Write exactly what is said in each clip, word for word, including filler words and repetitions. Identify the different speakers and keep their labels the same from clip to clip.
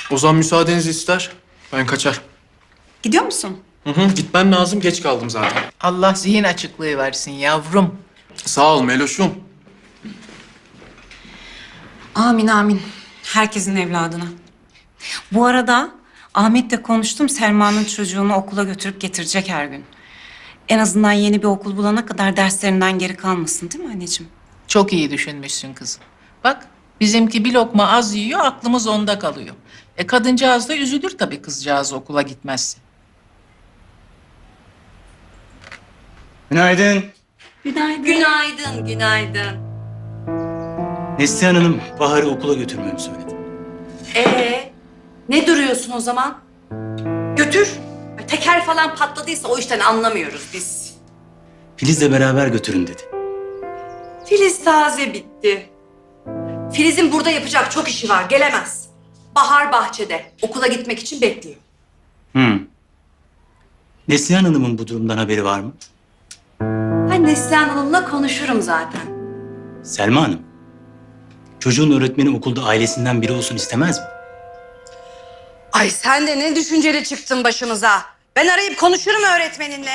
Speaker 1: Ozan müsaadenizi ister. Ben kaçar.
Speaker 2: Gidiyor musun?
Speaker 1: Hı hı, gitmem lazım. Geç kaldım zaten.
Speaker 3: Allah zihin açıklığı versin yavrum.
Speaker 1: Sağ ol Meloş'um.
Speaker 2: Amin amin. Herkesin evladına. Bu arada Ahmet'le konuştum. Selma'nın çocuğunu okula götürüp getirecek her gün. En azından yeni bir okul bulana kadar derslerinden geri kalmasın, değil mi anneciğim?
Speaker 3: Çok iyi düşünmüşsün kızım. Bak bizimki bir lokma az yiyor, aklımız onda kalıyor. E kadıncağız da üzülür tabii kızcağız okula gitmezse.
Speaker 4: Günaydın.
Speaker 2: Günaydın.
Speaker 5: Günaydın, günaydın.
Speaker 4: Neslihan Hanım Bahar'ı okula götürmemi söyledi.
Speaker 5: Ee, ne duruyorsun o zaman? Götür. Teker falan patladıysa o işten anlamıyoruz biz.
Speaker 4: Filiz'le beraber götürün dedi.
Speaker 5: Filiz taze bitti. Filiz'in burada yapacak çok işi var, gelemez. Bahar bahçede, okula gitmek için bekliyor.
Speaker 4: Hı. Neslihan Hanım'ın bu durumdan haberi var mı?
Speaker 5: Ben Neslihan Hanım'la konuşurum zaten.
Speaker 4: Selma Hanım, çocuğun öğretmeni okulda ailesinden biri olsun istemez mi?
Speaker 5: Ay sen de ne düşünceli çıktın başımıza. Ben arayıp konuşurum öğretmeninle.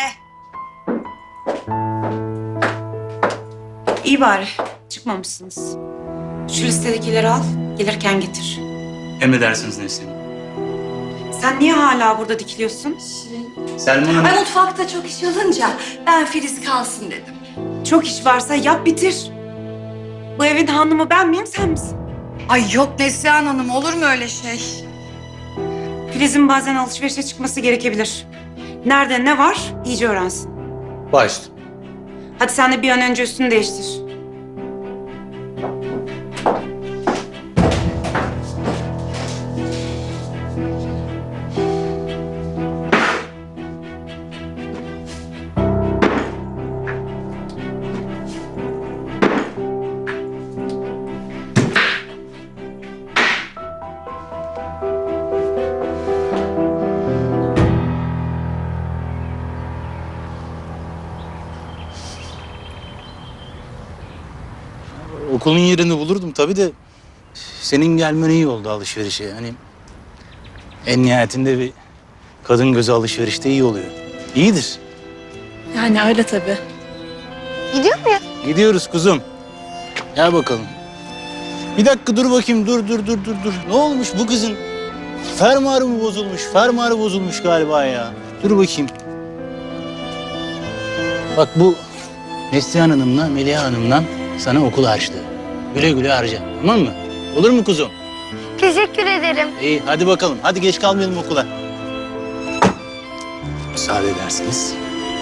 Speaker 2: İyi bari. Çıkmamışsınız. Şu listedekileri al. Gelirken getir.
Speaker 4: Emredersiniz Neslihan Hanım.
Speaker 2: Sen niye hala burada dikiliyorsun?
Speaker 4: Selma Hanım...
Speaker 5: Ay mutfakta çok iş olunca ben Filiz kalsın dedim.
Speaker 2: Çok iş varsa yap bitir. Bu evin hanımı ben miyim, sen misin?
Speaker 5: Ay yok Neslihan Hanım, olur mu öyle şey?
Speaker 2: Filiz'in bazen alışverişe çıkması gerekebilir. Nerede ne var iyice öğrensin.
Speaker 1: Başla.
Speaker 2: Hadi sen de bir an önce üstünü değiştir.
Speaker 4: Okulun yerini bulurdum tabii de... Senin gelmen iyi oldu alışverişe. Hani en nihayetinde bir kadın gözü alışverişte iyi oluyor. İyidir.
Speaker 6: Yani öyle tabii.
Speaker 4: Gidiyoruz kuzum. Gel bakalım. Bir dakika dur bakayım. Dur dur dur dur dur. Ne olmuş bu kızın? Fermuarı mı bozulmuş? Fermuarı bozulmuş galiba ya. Dur bakayım. Bak bu Neslihan Hanım'la Meliha Hanım'la sana okul harçlığı. Güle güle harca. Tamam mı? Olur mu kuzum?
Speaker 7: Teşekkür ederim.
Speaker 4: İyi hadi bakalım. Hadi geç kalmayalım okula. Müsaade edersiniz.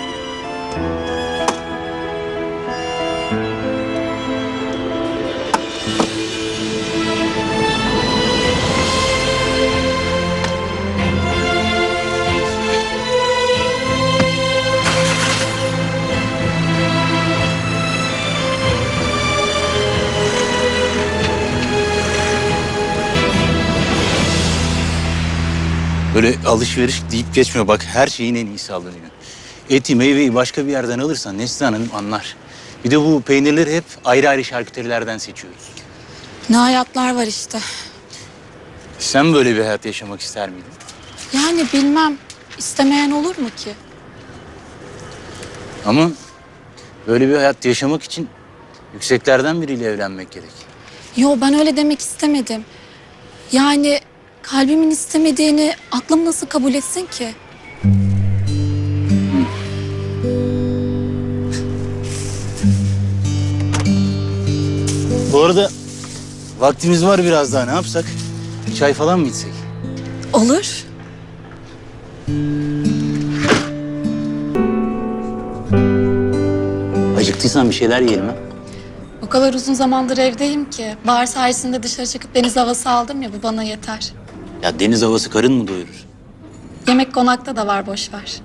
Speaker 4: Böyle alışveriş deyip geçmiyor. Bak her şeyin en iyisi alınıyor. Eti, meyveyi başka bir yerden alırsan Neslihan Hanım anlar. Bir de bu peynirleri hep ayrı ayrı şarküterilerden seçiyoruz.
Speaker 6: Ne hayatlar var işte.
Speaker 4: Sen böyle bir hayat yaşamak ister miydin?
Speaker 6: Yani bilmem. İstemeyen olur mu ki?
Speaker 4: Ama böyle bir hayat yaşamak için yükseklerden biriyle evlenmek gerek.
Speaker 6: Yo, ben öyle demek istemedim. Yani kalbimin istemediğini aklım nasıl kabul etsin ki?
Speaker 4: Bu arada vaktimiz var biraz daha. Ne yapsak? Çay falan mı içsek?
Speaker 6: Olur.
Speaker 4: Acıktıysan bir şeyler yiyelim ha.
Speaker 6: O kadar uzun zamandır evdeyim ki. Bahar sayesinde dışarı çıkıp deniz havası aldım ya, bu bana yeter.
Speaker 4: Ya deniz havası karın mı doyurur?
Speaker 6: Yemek konakta da var, boş ver.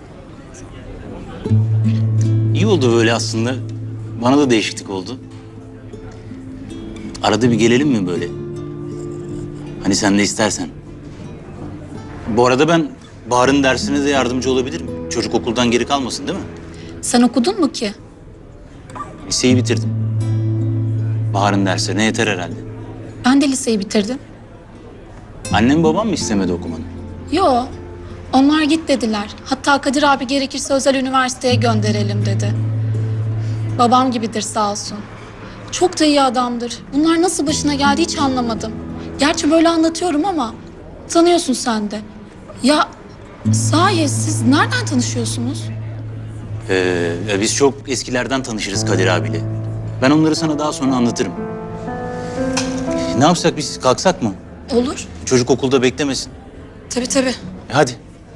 Speaker 4: İyi oldu böyle aslında. Bana da değişiklik oldu. Arada bir gelelim mi böyle? Hani sen de istersen. Bu arada ben Bahar'ın dersine de yardımcı olabilirim. Çocuk okuldan geri kalmasın değil mi?
Speaker 6: Sen okudun mu ki?
Speaker 4: Liseyi bitirdim. Bahar'ın derslerine yeter herhalde.
Speaker 6: Ben de liseyi bitirdim.
Speaker 4: Annem babam mı istemedi okumanı?
Speaker 6: Yo, onlar git dediler. Hatta Kadir abi gerekirse özel üniversiteye gönderelim dedi. Babam gibidir sağ olsun. Çok da iyi adamdır. Bunlar nasıl başına geldi hiç anlamadım. Gerçi böyle anlatıyorum ama tanıyorsun sen de. Ya sahi siz nereden tanışıyorsunuz?
Speaker 4: Ee, biz çok eskilerden tanışırız Kadir abiyle. Ben onları sana daha sonra anlatırım. Ne yapsak biz? Kalksak mı?
Speaker 6: Olur.
Speaker 4: Çocuk okulda beklemesin.
Speaker 6: Tabii tabii.
Speaker 4: E, hadi.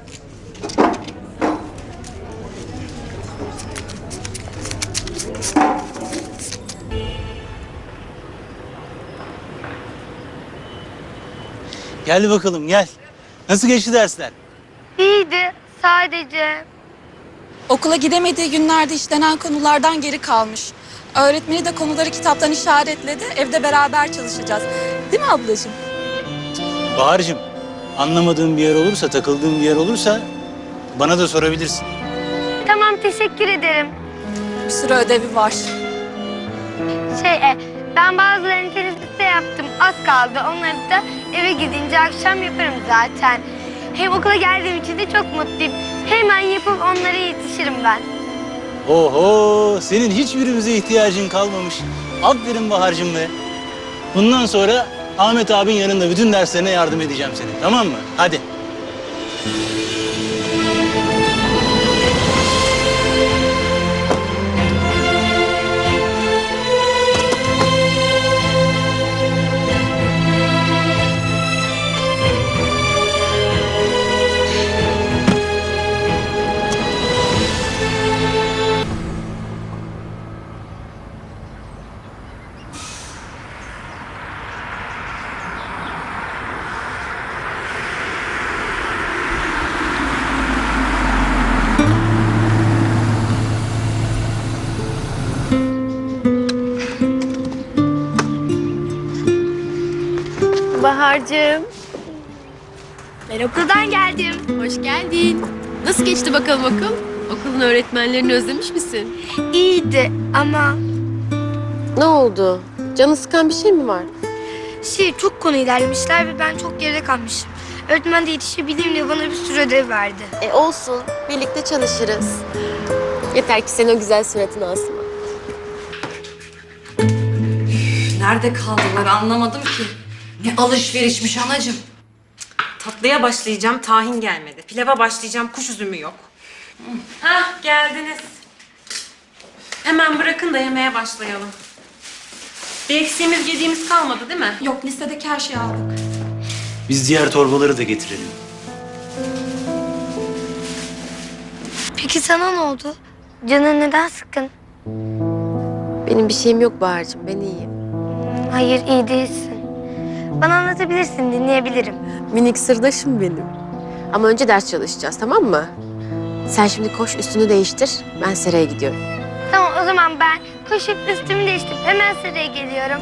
Speaker 4: Gel bakalım gel. Nasıl geçti dersler?
Speaker 7: İyiydi sadece.
Speaker 6: Okula gidemediği günlerde işlenen konulardan geri kalmış. Öğretmeni de konuları kitaptan işaretledi. Evde beraber çalışacağız. Değil mi ablacığım?
Speaker 4: Bahar'cığım, anlamadığın bir yer olursa, takıldığın bir yer olursa bana da sorabilirsin.
Speaker 7: Tamam teşekkür ederim.
Speaker 6: Bir sürü ödevi var.
Speaker 7: Şey e, ben bazılarını teneffüste yaptım. Az kaldı. Onları da eve gidince akşam yaparım zaten. Hem okula geldiğim için de çok mutluyum. Hemen yapıp onlara yetişirim ben.
Speaker 4: Oho, senin hiçbirimize ihtiyacın kalmamış. Aferin Bahar'cığım be. Bundan sonra Ahmet abin yanında bütün derslerine yardım edeceğim senin, tamam mı? Hadi.
Speaker 7: Bahar'cığım. Ben okuldan geldim.
Speaker 8: Hoş geldin. Nasıl geçti bakalım okul? Okulun öğretmenlerini özlemiş misin?
Speaker 7: İyiydi ama
Speaker 8: Ne oldu? Canı sıkan bir şey mi var?
Speaker 7: şey çok konu ilerlemişler ve ben çok geride kalmışım. Öğretmen de yetişebileyim diye bana bir sürü ödev verdi.
Speaker 8: E olsun. Birlikte çalışırız. Yeter ki senin o güzel suratını asma.
Speaker 5: Nerede kaldılar anlamadım ki. Ne alışverişmiş anacığım.
Speaker 2: Tatlıya başlayacağım, tahin gelmedi. Pilava başlayacağım, kuş üzümü yok. Hah, geldiniz. Hemen bırakın da yemeğe başlayalım. Bir eksiğimiz, yediğimiz kalmadı değil mi?
Speaker 6: Yok listedeki her şeyi aldık.
Speaker 4: Biz diğer torbaları da getirelim.
Speaker 7: Peki sana ne oldu? Canın neden sıkkın?
Speaker 8: Benim bir şeyim yok Bahar'cığım. Ben iyiyim.
Speaker 7: Hayır iyi değilsin. Bana anlatabilirsin, dinleyebilirim.
Speaker 8: Minik sırdaşım benim. Ama önce ders çalışacağız, tamam mı? Sen şimdi koş üstünü değiştir. Ben seraya gidiyorum.
Speaker 7: Tamam o zaman ben koşup üstümü değiştirip hemen sıraya geliyorum.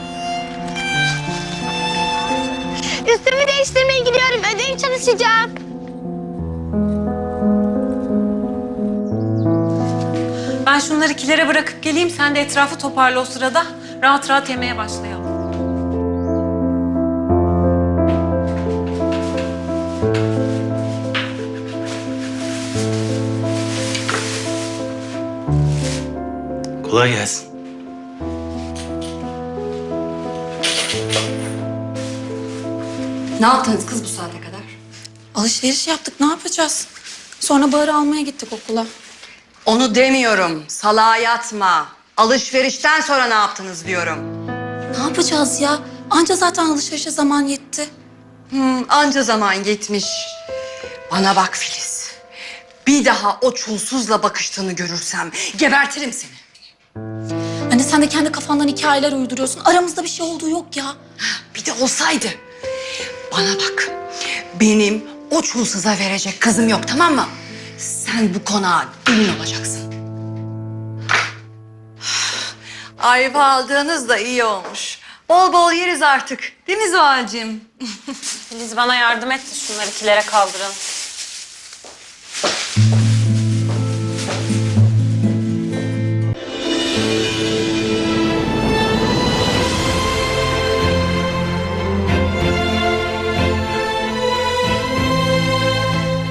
Speaker 7: Üstümü değiştirmeye gidiyorum. Ödev çalışacağım.
Speaker 2: Ben şunları kilere bırakıp geleyim, sen de etrafı toparla o sırada. Rahat rahat yemeye başlayalım.
Speaker 4: Kolay gelsin.
Speaker 5: Ne yaptınız kız bu saate kadar?
Speaker 6: Alışveriş yaptık ne yapacağız? Sonra Bahar'ı almaya gittik okula.
Speaker 5: Onu demiyorum. Salağa yatma. Alışverişten sonra ne yaptınız diyorum.
Speaker 6: Ne yapacağız ya? Anca zaten alışverişe zaman yetti.
Speaker 5: Hmm, anca zaman yetmiş. Bana bak Filiz. Bir daha o çulsuzla bakıştığını görürsem gebertirim seni.
Speaker 6: Hani sen de kendi kafandan hikayeler uyduruyorsun. Aramızda bir şey olduğu yok ya.
Speaker 5: Bir de olsaydı. Bana bak. Benim o çulsuza verecek kızım yok, tamam mı? Sen bu konağa gelin olacaksın. Ayva aldığınız da iyi olmuş. Bol bol yeriz artık. Değil mi Zuhal'cığım?
Speaker 2: Filiz bana yardım et de şunları kilere kaldıralım.